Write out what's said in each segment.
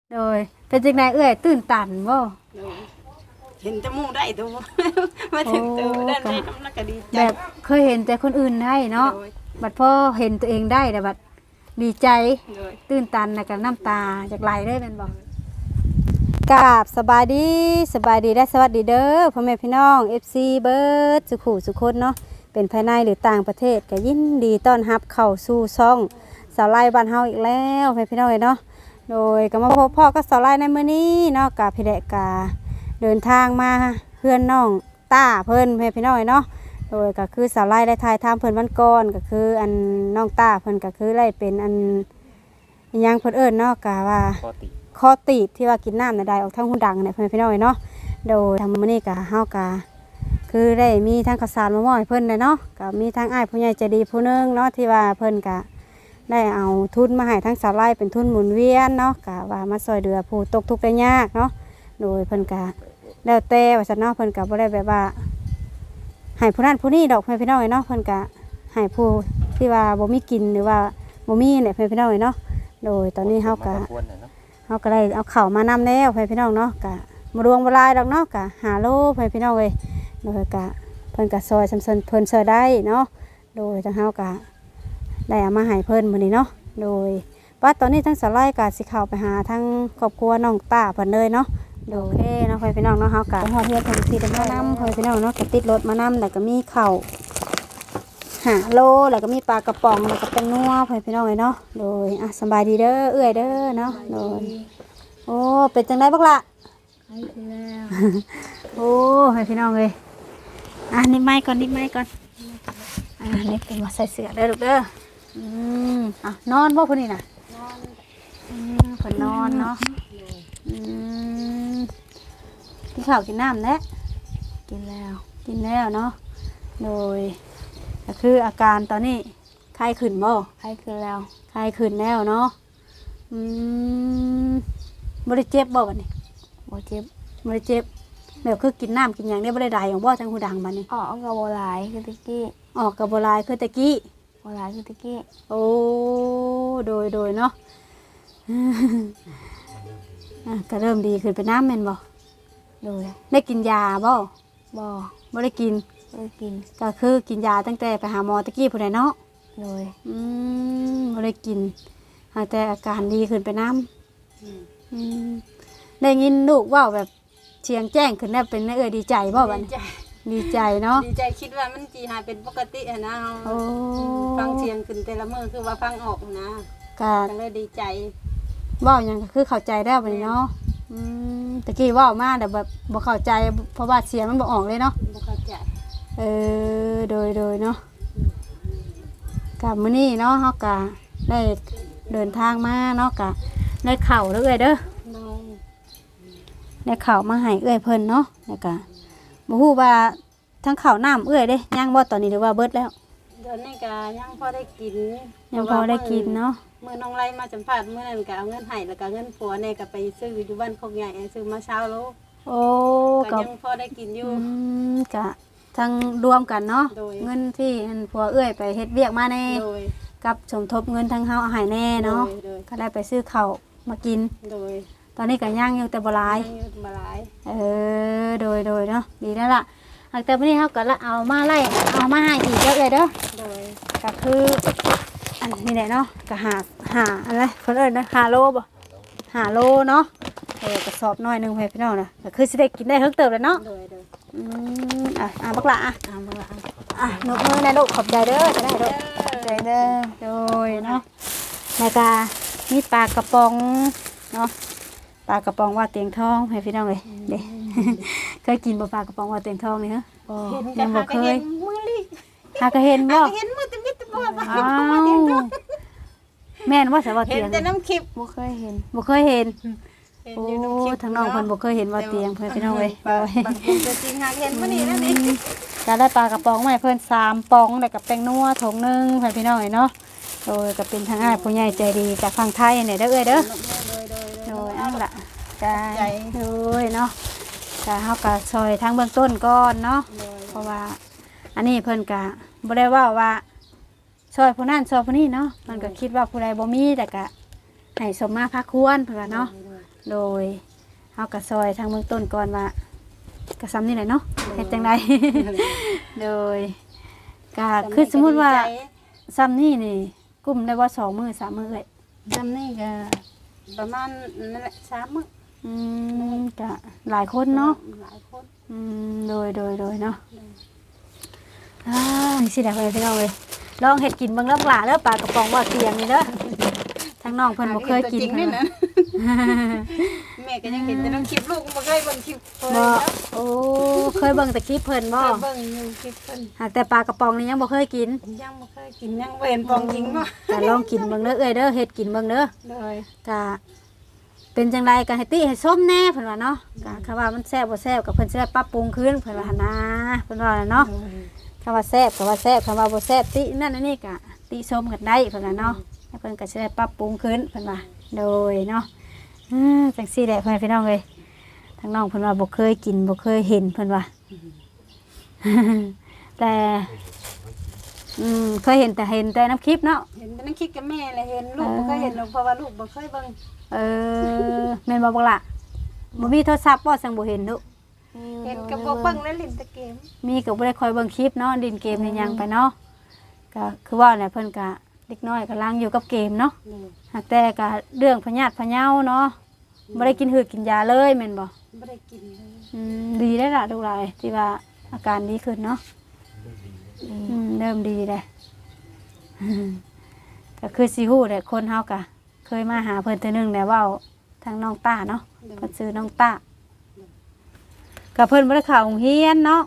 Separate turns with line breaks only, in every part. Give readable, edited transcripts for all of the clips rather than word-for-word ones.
โดยเป็นจังไดเอื้อยตื่นตันบ่
โดยเห็นจมูกได้ตัวมาถึงตัวได้ไหมน้ำหนักก็ดีใจ
แบบเคยเห็นแต่คนอื่นได้เนาะบัดพอเห็นตัวเองได้แต่บัดดีใจตื่นตันแล้วก็น้ำตาจากไหลเลยแม่นบ่กราบสบายดีและสวัสดีเด้อพ่อแม่พี่น้อง FC เบิร์ดสุขุสุคนเนาะเป็นภายในหรือต่างประเทศก็ยินดีต้อนรับเข้าสู่ช่องสาวไล่บ้านเฮาอีกแล้วพ่อแม่พี่น้องเนาะโดยก็มาพบพ่อกับสาวไล่ในมื้อนี้เนาะกับพี่แดกาเดินทางมาเพื่อนน้องต้าเพิ่นพ่อแม่พี่น้องเนาะโดยก็คือสาวไล่ได้ทายทำเพิ่นวันก่อนก็คืออันน้องต้าเพิ่นก็คือได้เป็นอันยังเพิ่นเอิ้นเนาะก็ว่าคอตีบที่ว่ากินน้ำในใดออกทั้งหูดังเนี่ยเพื่อนพี่น้องเนาะโดยทำมื้อนี้ก็เฮาก็คือได้มีทั้งข้าวสารมามอบให้เพิ่นเลยเนาะก็มีทั้งอ้ายผู้ใหญ่ใจดีผู้นึงเนาะที่ว่าเพิ่นก็ได้เอาทุนมาให้ทั้งสาวไร่เป็นทุนหมุนเวียนเนาะก็ว่ามาช่วยเหลือผู้ตกทุกข์ได้ยากเนาะโดยเพิ่นก็แล้วแต่ว่าซั่นเนาะเพิ่นก็บ่ได้แบบว่าให้ผู้นั้นผู้นี้ดอกเพื่อนพี่น้องเนาะเพิ่นก็ให้ผู้ที่ว่าบ่มีกินหรือว่าบ่มีเนี่ยเพื่อนพี่น้องเนาะโดยตอนนี้เฮาก็ได้เอาเข่ามานำแล้วเพื่อนพี่น้องเนาะกะมารวงบลายดอกเนาะกะหาโลเพื่อนพี่น้องเลยโดยกะเพิ่นกะซอยเพิ่นซอยได้เนาะโดยทางเฮากะได้เอามาให้เพิ่นมื้อนี้เนาะโดยว่าตอนนี้ทั้งสาวไร่กะสิเข้าไปหาทั้งครอบครัวน้องต้าเพิ่นเลยเนาะโดยโอเคเนาะเพื่อนพี่น้องเนาะเฮากะฮอดเฮือนเพิ่นสิได้มานำเพื่อนพี่น้องเนาะก็ติดรถมานำแล้วก็มีข้าวหาโลแล้วก็มีปลากระป๋องแล้วก็เป็นนัวเพื่อนพี่น้องเลยเนาะโดยอ่ะสบายดีเด้อเอื้อยเด้อเนาะโดยโอ้เป็นจังไดบักละให้คือแล้วโอ้ให้พี่น้องเลยนิดไม้ก่อนนี่เป็นมาใส่เสื้อเด้อลูกเด้อนอนบ่พอนี่น่ะนอนเพิ่นนอนเนาะกินข้าวกินน้ำแล้วกินแล้วเนาะโดยก็คืออาการตอนนี้ไข้ขึ้นบ่ไข้ขึ้นแล้วเนาะบ่ได้เจ็บบ่บัดนี้บ่ได้เจ็บแบบคือกินน้ำกินหยังได้บ่ได้ได้ของบ่จังหูดังบัดนี้
กับโบราณคือตะกี้
กับบ่หลายคือตะกี้
โบราณคือตะกี้
โอ้โดยเนาะก็เริ่มดีขึ้นไปน้ำแม่นบ่
โดย
ได้กินยาบ่
บ่
ได้กินก็คือกินยาตั้งแต่ไปหาหมอตะกี้พุ่นน่ะเนาะ
โดย
บ่ได้กินแต่อาการดีขึ้นไปน้ำได้ยินลูกว่าแบบเชียงแจ้งขึ้นแล้วเป็นดีใจบ่บัดนี้ดีใจเนาะ
ดีใจคิดว่ามันจีหายเป็นปกตินะฟังเสียงขึ้นแต่ละมื้อคือว่าฟังออกนะก็เลยดีใจ
ว่าอย่างก็คือเข้าใจได้บัดนี้เนาะตะกี้ว่ามาแต่แบบบ่เข้าใจเพราะว่าเสียงมันบ่ออกเลยเนาะ
บ่เข้าใจ
โดยเนาะกับมื้อนี้เนาะเฮาก็ได้เดินทางมาเนาะก็ได้ข้าวแล้วเอ้ยเด้อได้ข้าวมาให้เอ้ยเพิ่นเนาะแล้วก็บ่ฮู้ว่าทั้งข้าวน้ำเอ้ยเด้ย่างบ่ตอนนี้หรือว่าเบิดแล้ว
เดี๋ยวนี้ก็ยังพอได้กิน
เนาะ
มื้อน้องไล่มาสัมภาษณ์มื้อนั้นก็เอาเงินให้แล้วก็เงินผัวเนี่ยก็ไปซื้ออยู่บ้านโคกใหญ่ซื้อมาเช้าโล
โอ้
ก็ยังพอได้กินอยู่
ก็ทั้งรวมกันเนาะเงินที่ผัวเอ้ยไปเฮ็ดเวียกมาแน่กับสมทบเงินทั้งเฮาเอาให้แน่เนาะก็ได้ไปซื้อข้าวมากินตอนนี้ก็ย่างอยู่แต่บ่หลายโดยเนาะดีแล้วล่ะแต่วันนี้เฮาก็เอามาให้อีกเยอะเลยเด้อก็คืออันนี้แหละเนาะก็หาอะไรเพิ่นเอิ้นนะ5 โลบ่5 โลเนาะกระสอบน้อยนึงให้พี่น้องนะก็คือสิได้กินได้เฮิงเติบแล้วเนาะบักละนกมือนะลูกขอบใจเด้อจะได้ลูกขอบใจเด้อโดยเนาะแล้วก็มีปลากระป๋องเนาะปลากระป๋องว่าเตียงทองให้พี่น้องเลยเด้เคยกินบ่ปลากระป๋องว่าเตียงทองนี่ฮะยังบ่เคยหากเห็นบ่
เห็นมือตะมิดตะบ่
แม่นว่าสว่าเตียง
เห็นแต่น้ำคลิป
บ่เคยเห็นโอ้ทางน้องเพิ่นบ่เคยเห็นว่าเตียงเพิ่นพี่น้องเอ้ย
ตัวจริงหาเห็นมื้อนี้นั่นเอง
จะได้ปลากระป๋องมาให้เพิ่น3 ป๋องแล้วก็แป้งนัวถุงนึงเพิ่นพี่น้องเอ้ยเนาะโดยก็เป็นทางอ้ายผู้ใหญ่ใจดีจากฝั่งไทยเนี่ยเด้อเอ้ยเด้อโดยอันล่ะจ้าโดยเนาะก็เฮาก็ซอยทางเบื้องต้นก่อนเนาะเพราะว่าอันนี้เพิ่นก็บ่ได้ว่าซอยผู้นั้นซอยผู้นี้เนาะมันก็คิดว่าผู้ใดบ่มีแต่ก็ให้สมมาพักควรเพิ่นว่าเนาะโดยเฮาก็ซอยทางเบื้องต้นก่อนว่าก็ซ้ำนี่แหละเนาะเฮ็ดจังได โดยก็คือสมมุติว่าซ้ำนี่นี่กุ้มได้ว่า2 มื้อ 3 มื้อเอ้ย
จำนี่ก็ประมาณนั่นแหละ3 มื้อ
ก็หลายคนเนาะ
หลายคน
โดยเนาะสิได้ไปพี่น้องเอ้ยลองเฮ็ดกินเบิ่งเด้อปลาเด้อปลากระป๋องว่าเตียงนี่เด้อทางน้องเพิ่นบ่เคยกิน
จริง
เพิ่
นี่
น
นะแม่ก็ยังเห็นแต่น้ำคลิปลูกบ่เคยเบิ่งคลิปเพิ่น
บ่โอ้เคยเบิ่งแต่คลิปเพิ่นบ่
เบิ่งอยู่คลิปเพิ่น
หากแต่ปลากระป๋องนี่ยังบ่เคยกิน
ยังบ่เคยกินยังบ่เห็นปองจริงบ่
ก็ลองกินเบิ่งเด้อเอ้ยเด้อเฮ็ดกินเบิ่งเด้อ
เลย
ก็เป็นจังไดก็ให้ติให้ส้มแน่เพิ่นว่าเนาะก็คำว่ามันแซ่บบ่แซ่บก็เพิ่นสิได้ปรับปรุงขึ้นเพิ่นว่าหั่นนะเพิ่นว่าเนาะคำว่าแซ่บก็ว่าแซ่บคำว่าบ่แซ่บตินั่นอันนี้ก็ติชมกันได้เพิ่นว่าเนาะแล้วเพิ่นก็สิได้ปรับปรุงขึ้นเพิ่นว่าโดยเนาะจังซี่แหละเพิ่นพี่น้องเอ้ยทางน้องเพิ่นว่าบ่เคยกินบ่เคยเห็นเพิ่นว่า แต่เคยเห็นแต่น้ำคลิปเนาะ
เห็นแต่น้ำคลิปกับแม่เลยเห็นลูกบ่เคยเห็นหรอกเพราะว่าลูกบ่เคยเบิ่ง
แม่นบ่บักล่ะบ่มีโทรศัพท์บ่สั่งบ่เห็นดุ
เห็นกับบ่เบิ่งแล้วเล่นแต่เกม
มีก็บ่ได้คอยเบิ่งคลิปเนาะดินเกมนี่ยังไปเนาะก็คือว่าเนี่ยเพิ่นก็เด็กน้อยกำลังอยู่กับเกมเนาะหากแต่ก็เรื่องพญาติพะเยาเนาะบ่ได้กินหืดกินยาเลยแม่นบ่
บ่ได้กินเลย
ดีได้อล่ะลูกหลายที่ว่าอาการดีขึ้นเนาะเริ่มดีแล้ว ก็คือสิฮู้แหละคนเฮาก็เคยมาหาเพิ่นเทื่อนึงแล้วเว้าทางน้องต้าเนาะเพิ่นชื่อน้องต้าก็เพิ่นบ่ได้เข้าโรงเรียนเนาะ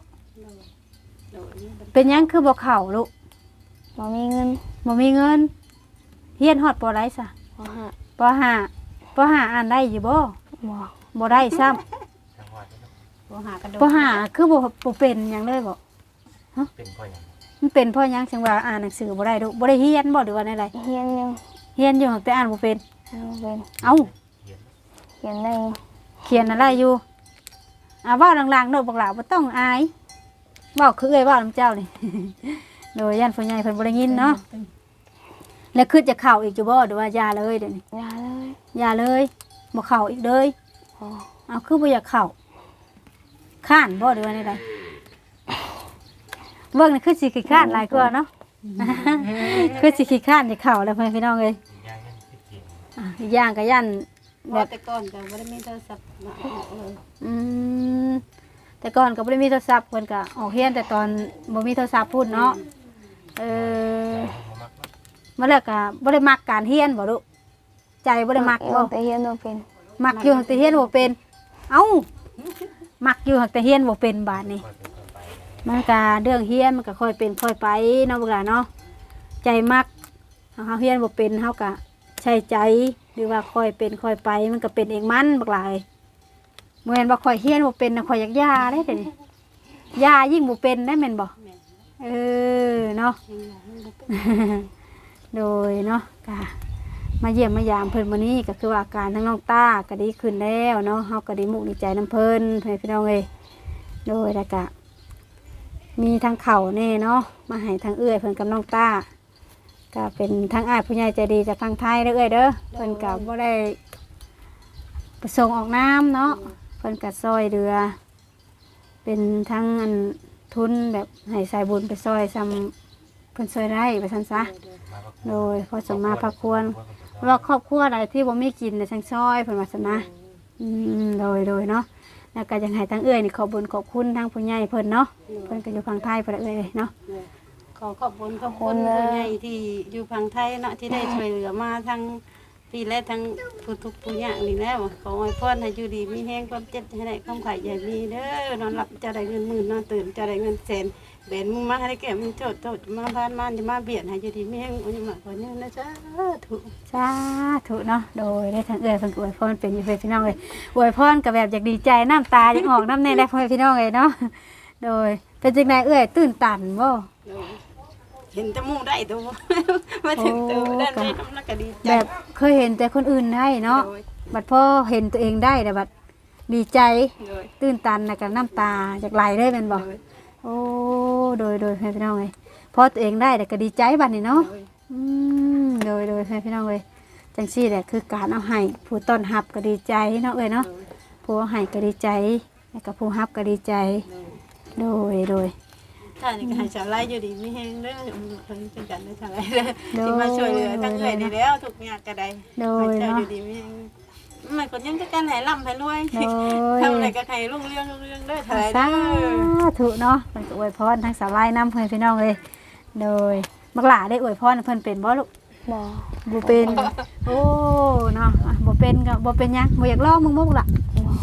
เป็นหยังคือบ่เข้าลูก
บ่มีเงิน
บ่มีเงินเรียนฮอดปอไรซะ
บ่หา
ปอห้าปอห้าอ่านได้อยู่บ่
บ่
บ่ได้ซ้ำ
บ่หากระโดด
ปอห้าคือบ่เป็นหยังเลยบ่
เป็นพ่ออย่าง
มันเป็นเพราะหยังจังว่าอ่านหนังสือบ่ได้ลูกบ่ได้เรียนบ่หรือว่าได
เฮียนยัง
เรียนอยู่แต่อ่านบ่เป็น
บ่เป็น
เอ้า
เขียนได้
เขียนอะไรอยู่เว้าดังๆโดดบักหลาบ่ต้องอายเว้าคือเอ้ยเว้านำเจ้านี่ โดยย่านผู้ใหญ่เพิ่นบ่ได้ยินเนาะแล้วคือจะเข้าอีกอยู่บ่หรือว่ายาเลยเดี๋ยวนี้
ยาเลย
ยาเลยบ่เข้าอีกเลย
พอ
เอาคือบ่อยากเข้าข้านบ่หรือว่าไดเบิ่งนี่คือสิขี้ข้านหลายกว่าเนาะ คือสิขี้ข้านจะเข้าแล้วเพิ่นพี่น้องเอ้ย
ย่างนั่นติดเกม
อีกอย่างก็ย่าน
บ่แต่ก่อนก็บ่ได้มีโทรศัพท์มาเลย
อืมแต่ก่อนก็บ่ได้มีโทรศัพท์เพิ่นก็ออกเรียนแต่ตอนบ่มีโทรศัพท์พูดเนาะมาแล้วก็บ่ได้มักการเรียนบ่ลูกใจบ่ได้มักบ่
แต่เฮียนบ่เป็น
มักอยู่แต่เรียนบ่เป็นเอ้ามักอยู่แต่เรียนบ่เป็นบาดนี้มันก็เรื่องเรียนมันก็ค่อยเป็นค่อยไปเนาะบักหลาเนาะใจมักเฮาเรียนบ่เป็นเฮาก็ใช้ใจหรือว่าค่อยเป็นค่อยไปมันก็เป็นเองมันบักหลายบ่แม่นว่าค่อยเรียนบ่เป็นน่ะค่อยอยากย่าเด้เดี๋ยวนี้ย่ายิ่งบ่เป็นได้แม่นบ่เนาะ โดยเนาะก็มาเยี่ยมมายามเพิ่นมื้อนี้ก็คือว่าอาการทั้งน้องต้าก็ดีขึ้นแล้วเนาะเฮาก็ดีมุกดีใจน้ำเพิ่นให้พี่น้องเอ้ยโดยแล้วก็มีทางเข่าแน่เนาะมาให้ทางเอื้อยเพิ่นกับน้องต้าก็เป็นทางอ้ายผู้ใหญ่ใจดีจากทางไทยเด้อเอ้ยเด้อเพิ่นก็บ่ได้ประสงค์ออกน้ำเนาะเพิ่นก็ซอยเรือ เป็นทั้งอันทุนแบบให้สายบุญไปซอยซ้ำเพิ่นซอยได้ไปซั่นซะโดยพอสมมาพระควรว่าครอบครัวใดที่บ่มีกินในทางซอยเพิ่นว่าซั่นนะโดยเนาะแล้วก็ยังให้ทั้งเอื้อยนี่ขอบุญขอบคุณทั้งผู้ใหญ่เพิ่นเนาะเพิ่นก็อยู่ฝั่งไทยเพิ่นเอ้ยเนาะ
ขอขอบคุณผู้ใหญ่ที่อยู่ฝั่งไทยเนาะที่ได้ช่วยเหลือมาทั้งพี่และทั้งผู้ทุกผู้ยากนี่แล้วขออวยพรให้อยู่ดีมีแห้งความเจ็บให้ได้ความไข่ใหญ่มีเด้อนอนหลับจะได้เงินหมื่นนอนตื่นจะได้เงินแสนเบนมึงมาให้แก่มึงโจทย์มาบ้านมันจะมาเบียดให้อยู่ดีมีแห้งอุ้ยหมาคนนี้นะจ๊ะถูก
สาธุเนาะโดยได้ทางเอื้อยเพิ่นก็อวยพรเป็นอยู่เพิ่นพี่น้องเอ้ยอวยพรก็แบบอยากดีใจน้ำตายังออกน้ำแน่ได้เพิ่นพี่น้องเอ้ยเนาะโดยเป็นจังไดเอื้อยตื่นตันบ่
เห็นแต่มูได้ตัวมาถึงตัวด้านนี้น้ำหนักก็ดีใจ
แบบเคยเห็นแต่คนอื่นได้เนาะบัดพอเห็นตัวเองได้แต่บัดดีใจตื่นตันแล้วก็น้ำตาจากไหลเลยแม่นบ่โอ้โดยให้พี่น้องเอ้ยพอตัวเองได้แต่ก็ดีใจบัดนี้เนาะโดยให้พี่น้องเอ้ยจังซี่แหละคือการเอาให้ผู้ต้อนรับก็ดีใจเนาะเอ้ยเนาะผู้เอาให้ก็ดีใจแล้วก็ผู้รับก็ดีใจโดย
ถ้านี่ก็ให้ชาวไร่อยู่ดีมีแฮงเด้อเพิ่นเป็นกันได้ชาวไร่เด้อที่มาช่วยเหลือทั้งเอ้ยนี่แล้วทุกอย่างก็ได้ให้เจ้าอยู่ดีมีแฮงมันก็ยังจะกันให้ร่ำให้รวยทำอะไรก็ให้รุ่งเรืองเด้อชาวไร่
สา
เด้อ
ธุเนาะเพิ่นก็อวยพรทั้งสาวไร่นำเพิ่นพี่น้องเลยโดยบักหลาได้อวยพรเพิ่นเป็นบ่ลูก
บ่
บ่เป็นโอ้เนาะบ่เป็นก็บ่เป็นหยังบ่อยากลองมึงบ่ล่ะ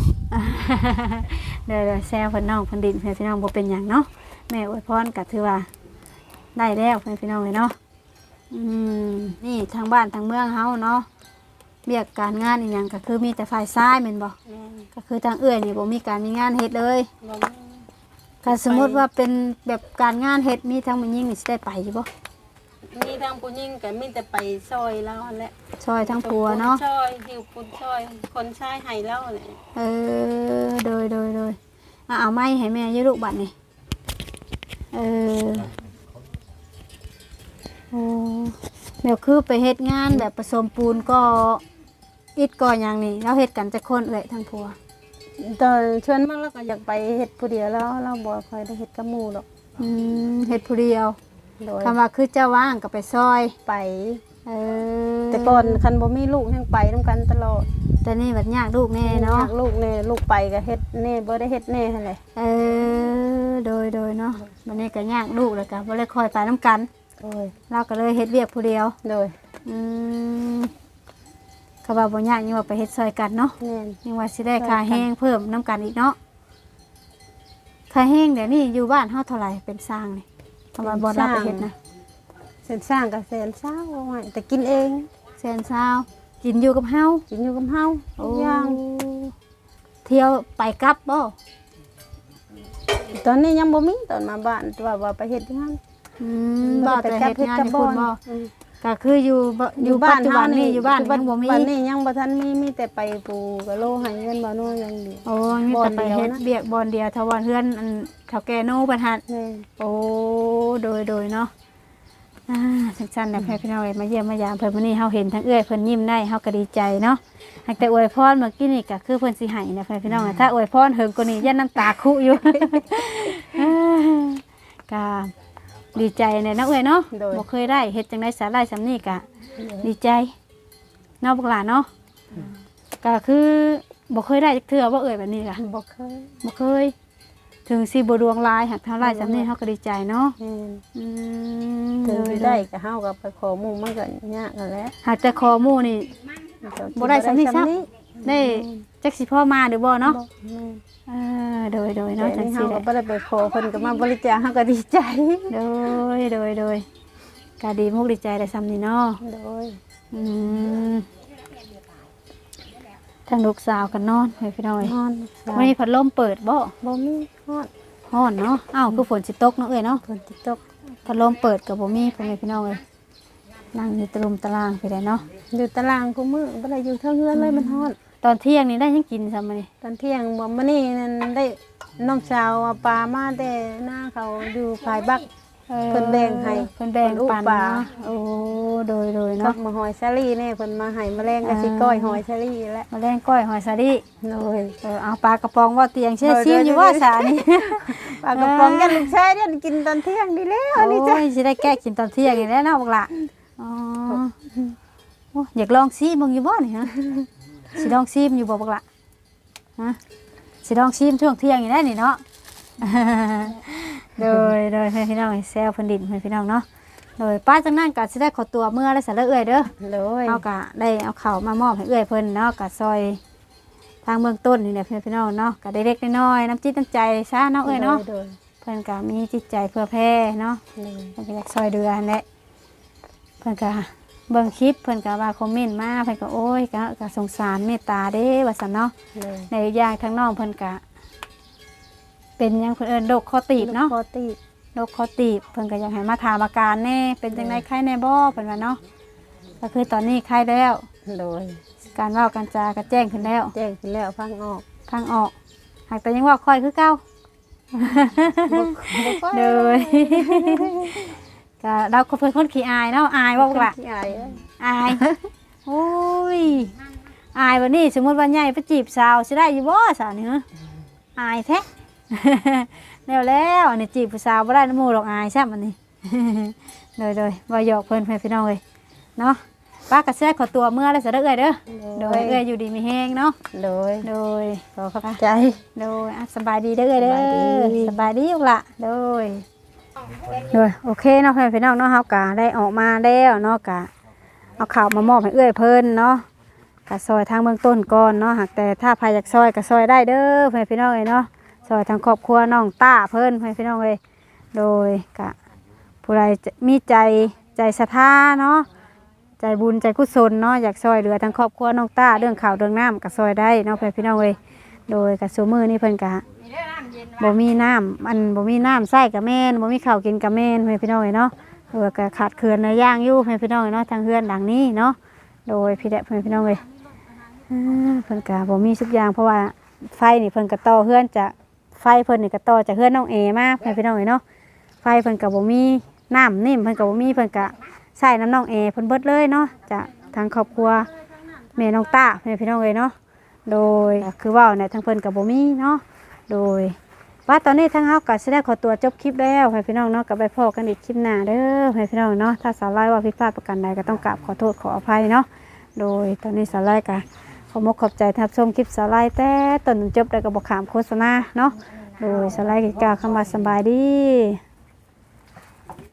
เดี๋ยวแซวเพิ่นน้องเพิ่นดินเพิ่นพี่น้องบ่เป็นหยังเนาะแม่อวยพรก็ถือว่าได้แล้วเพิ่นพี่น้องเลยเนาะนี่ทางบ้านทางเมืองเฮาเนาะเรียกการงานอีหยังก็คือมีแต่ฝ่ายซ้ายแม่นบ่ก็คือทางเอื้อยนี่บ่มีการมีงานเฮ็ดเลยถ้าสมมุติว่าเป็นแบบการงานเฮ็ดมีทั้งผู้หญิงนี่สิได้ไปอยู่บ่
มีทางผู้หญิงก็มีแต่ไปซอยแล้วแหละ
ช่วยทั้งผัวเนาะ
ซอยหิวปุนซอยคนชายให้แล้วแหละ
โดยเอาไม้ให้แม่อยืลูกบัดนี่โอ้เดี๋ยวคือไปเฮ็ดงานแบบผสมปูนก็อิดก่ออย่างนี้เราเฮ็ดกันจะคนเอ่ยทั้งผัว
ตอนชวนมากแล้วก็อยากไปเฮ็ดผู้เดียวแล้วเราบ่ค่อยได้เฮ็ดกับหมู่หรอก
เฮ็ดผู้เดียว
โดย
คำว่าคือเจ้าว่างก็ไปซอย
ไป
แต่
แต่ก่อนคันบ่มีลูกยังไปนำกันตลอด
แต่นี่บัดยากลูกแน่เนาะ
อยกลูกแน่ลูกไปก็เฮ็ดแน่บ่ได้เฮ็ดแน่หั่นแหละ
โดยเนาะวันนี้ก็ยากลูกแล้วก็บ่ได้คอยไปน้ำกัน
โอ้ย
เราก็เลยเฮ็ดเวียกผู้เดียว
โดย
เขาว่าบ่ยากยังว่าไปเฮ็ดซอยกันเนาะ
แม่น
ยังว่าสิได้ค่าแห้งเพิ่มน้ำกันอีกเนาะค่าแห้งเดี๋ยวนี้อยู่บ้านเฮาเท่าไหร่เป็นสร้างนี่คำว่าบ่รับไปเฮ็ดนะ
เส้นสร้างก็แสนเศร้าเอาไว้แต่กินเอง
แสนซาวกินอยู่กับเฮา
กินอยู่กับเฮา
โอ้
ทุกอย่าง
เที่ยวไปกลับบ่
ตอนนี้ยังบ่มีตอนมาบ้านว่าไปเฮ็ดงาน
บ่แต่เฮ็ดงานที่คุณบ่
อืม
ก็คืออยู่ปัจจุบันนี่อยู่บ้านยังบ่มี
บ้านนี้ยังบ่ทันมีแต่ไปปูกะโลให้เงินบ่นู่นอย่างเดียว
โอ้มีแต่ไป
บ่อนเดียว
เฮ็ด
นะ
เบียกบอนเดียวทว่าเฮือนอันเฒ่าแก่โนบัดหัด
แม่
โอ้โดยเนาะสั้นๆนะพี่น้องเอ้ยมาเยี่ยมมายามเพิ่นมื้อนี้เฮาเห็นทั้งเอื้อยเพิ่นยิ้มได้เฮาก็ดีใจเนาะหากแต่อวยพรเมื่อกี้นี่ก็คือเพิ่นสิให้นะพี่น้องถ้าอวยพรเฮิงกว่านี้ยันน้ำตาคุอยู่ ก็ดีใจในเนาะเอ้ยเนาะบ่เคยได้เฮ็ดจังได๋สาได้สำนี้ก็ดีใจเนาะพวกหลานเนาะก็คือบ่เคยได้จักเทื่อบ่เอ้ยแบบนี้ก็
บ่เคย
บ่เคยถึงสิบ่ดวงลายหากเท่าไรสำนี้เฮาก็ดีใจเนาะ
แม่น
อืม
ถึงสิได้ก็เฮาก็ไปขอหมู่มันก็ยากนั่นแหละ
หากแต่คอหมู่นี่ บ่ได้สำนี้ซ้ำ ได้จักสิพ่อมาหรือบ่เนาะ
แม่น
โดย
แต่
เนาะจัง
นี่
ซี่
เฮา
แห
ก็
ละ
บ่ได้ไปขอเพิ่นก็มาบริจาคเฮาก็ดีใจ
โดยก็ดีมุกดีใจได้ซ้ำนี่เนาะ
โดย
อืมทางลูกสาวกันนอนให้พี่น้อย
นอน
วันนี้พัดลมเปิดบ่
บ่มีฮอด
ฮ้อนเนาะอ้าวคือฝนสิตกเนาะเอ้ยเนาะ
ฝนสิตก
พัดลมเปิดก็บ่มีพ่อแม่พี่น้องเอ้ยนั่งอยู่ตะลุมตารางไปได้เนาะ
อยู่ตารางกูมื้อบ่ได้อยู่เทิงเฮือนเลยมันฮอด
ตอนเที่ยงนี่ได้ยังกินซ้ำมื้อนี้
ตอนเที่ยงบ่มื้อนี้นั่นได้น้องสาวเอาปลามาแต่หน้าเขาอยู่ภายบัก เพิ่นแบ่งให้
เพิ่นแบ่ง
เพิ่นอุ
ปัน
ปา
เนาะโอ้โดย
กั
เนาะ
บมาหอยซาลี่นี่เพิ่นมาให้แมลงกับสิก้อยหอยซาลี่แหละ
มาแล่งก้อยหอยสาดิ
โดย
เอาปลากระป๋องว่าเตียงเชื่อซิมอยู่ว่าสานี่
ปลากระป๋องกันลูกชายเนี่ยกินตอนเที่ยงดีแล้ว
โอ้
นี่จ้ะ
ยสิได้แก้กินตอนเที่ยงนี่แหล้วเนาะบักละอ๋อโอ้อยากลองซิมึงอยู่บ่นี่ฮะสิลองซิมอยู่บ่บักละฮะสิลองซิมช่วงเที่ยงนี่แหละนี่เนาะ โดยให้พี่น้องแซวเพิ่นดินให้พี่น้องเนาะโดยป้าจังนั้นก็สิได้ขอตัวเมื่อแล้วสะเลเอื้อยเด้อ
โดย
เฮาก็ได้เอาข้าวมามอบให้เอื้อยเพิ่นเนาะก็ซอยทางเบื้องต้นนี่แหละพี่น้องเนาะก็ได้เล็กน้อยๆน้ำจิตน้ำใจซะเนาะเอ้ยเนาะ
โดย
เพิ่นก็มีจิตใจเพื่อแพ่เนาะ
โดย
เพิ่นก็อยากซอยเดือนั่นแหละเพิ่นก็เบิ่งคลิปเพิ่นก็ว่าคอมเมนต์มาเพิ่นก็โอ้ยก็สงสารเมตตาเด้ว่าซั่นเนาะ
โดย
ในอย่างทางน้องเพิ่นก็เป็นหยังเพิ่นเอิ้นโรคคอตีบเนาะ
ปกติ
โรคคอตีบเพิ่นก็อยากให้มาถามอาการแน่เป็นจังไดไข้แน่บ่เพิ่นว่าเนาะก็คือตอนนี้ไข้แล้ว
โดย
การเว้าการจาก็แจ้งขึ้นแล้ว
แจ้งขึ้นแล้วฟังออก
ทางออกหากแต่ยังว่าค่อยคือเก่า เลย ก็เราก็เป็นคนขี้อายเนาะอายว่าล่ะ
ขี้อายเอ้ย
อายโอ้ยอายวันนี้สมมติว่าใหญ่ไปจีบสาวสิได้อยู่บ่สาวนี่ฮะอายแท้ แล้วอันนี้จีบผู้สาวบ่ได้น้ำหมูหรอกอายใช่มันนี่ เลยบ่หยอกเพิ่นพี่น้องเลยเนาะป้ากระเสื้อขอตัวเมื่อแล้วจะได้เอ้ยเด้อโดยเอ้ยอยู่ดีมีแห้งเนาะโดยขอเข้าใจโดยสบายดีเด้อเอ้ยเด้อสบายดีอยู่ละโดยโอเคเนาะพี่น้องเนาะเฮากะได้ออกมาแล้วเนาะกะเอาข่าวมามอบให้เอ้ยเพิ่นเนาะกะซอยทางเบื้องต้นก่อนเนาะหากแต่ถ้าใครอยากซอยก็ซอยได้เด้อพี่น้องเอ้ยเนาะซอยทางครอบครัวน้องต้าเพิ่นพี่น้องเอ้ยโดยกะผู้ใดมีใจศรัทธาเนาะใจบุญใจกุศลเนาะอยากซอยเหลือทางครอบครัวน้องต้าเรื่องข่าวเรื่องน้ำก็ซอยได้เนาะพี่น้องเอ้ยโดยกะซูมือนี่เพิ่นกะบ่มีน้ำมันบ่มีน้ำใส่กะแม่นบ่มีข้าวกินกะแม่นพี่น้องเอ้ยเนาะโดยกะขาดเขื่อนเนื้อย่างอยู่พี่น้องเอ้ยเนาะทางเฮือนหลังนี้เนาะโดยพี่น้องเอ้ยเพิ่นกะบ่มีทุกอย่างเพราะว่าไฟนี่เพิ่นกะต่อเฮือนจะไฟเพิ่นนี่กะต่อจากเฮือนน้องเอมาพี่น้องเอ้ยเนาะไฟเพิ่นกะบ่มีน้ำนิ่มเพิ่นกะบ่มีเพิ่นกะใส่น้ำน้องเอเพิ่นเบิดเลยเนาะจากทางครอบครัวแม่น้องต้าพี่น้องเอ้ยเนาะโดยคือว่าเนี่ยทางเพิ่นกะบ่มีเนาะโดยว่าตอนนี้ทางเฮาก็สิได้ขอตัวจบคลิปแล้วพี่น้องเนาะก็ไปพบกันอีกคลิปหน้าเด้อพี่น้องเนาะถ้าสาวไล่ว่าผิดพลาดประการใดก็ต้องกราบขอโทษขออภัยเนาะโดยตอนนี้สาวไล่ก็ขอบใจที่รับชมคลิปสาวไล่แต่ต้นจนจบแล้วก็บ่ขามโฆษณาเนาะโดยสาวไล่ก็กล่าวคำว่าสบายดี